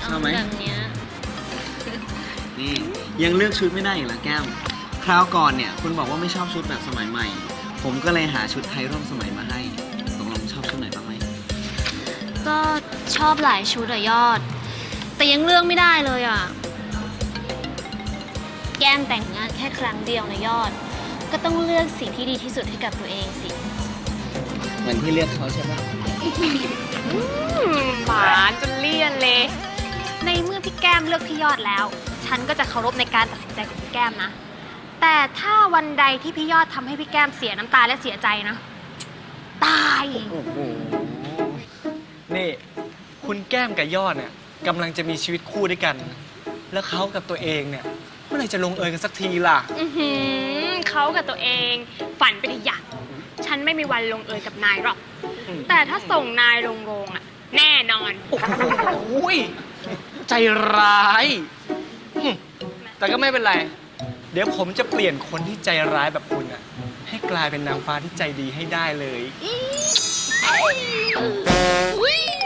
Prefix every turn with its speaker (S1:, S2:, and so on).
S1: ชอบไหม
S2: แบบเนี้ย
S1: นี่ยังเลือกชุดไม่ได้อีกเหรอแก้มคราวก่อนเนี่ยคุณบอกว่าไม่ชอบชุดแบบสมัยใหม่ ผมก็เลยหาชุดไทยร่วมสมัยมาให้ตกลงชอบชุดไหนบ้างไหม
S2: ก็ชอบหลายชุดอะยอด แต่ยังเลือกไม่ได้เลยอะแก้มแต่งงานแค่ครั้งเดียวนะยอด ก็ต้องเลือกสิ่งที่ดีที่สุดให้กับตัวเองสิ
S1: เหมือนที่เลือกเขาใช่ปะ
S3: หวานจนเลี่ยนเลย ในเมื่อพี่แก้มเลือกพี่ยอดแล้ว ฉันก็จะเคารพในการตัดสินใจของพี่แก้มนะ แต่ถ้าวันใดที่พี่ยอดทำให้พี่แก้มเสียน้ำตาและเสียใจนะ ตาย
S4: โอ้โห นี่ คุณแก้มกับยอดเนี่ยกำลังจะมีชีวิตคู่ด้วยกัน แล้วเขากับตัวเองเนี่ยเมื่อไหร่จะลงเอยกันสักทีล่ะ
S3: เขากับตัวเองฝันไปทีอย่างฉันไม่มีวันลงเอยกับนายหรอก แต่ถ้าส่งนายลงโรงอะแน่นอน
S4: โอ้ยใจร้ายแต่ก็ไม่เป็นไร เดี๋ยวผมจะเปลี่ยนคนที่ใจร้ายแบบคุณอะให้กลายเป็นนางฟ้าที่ใจดีให้ได้เลย
S2: อุ๊ย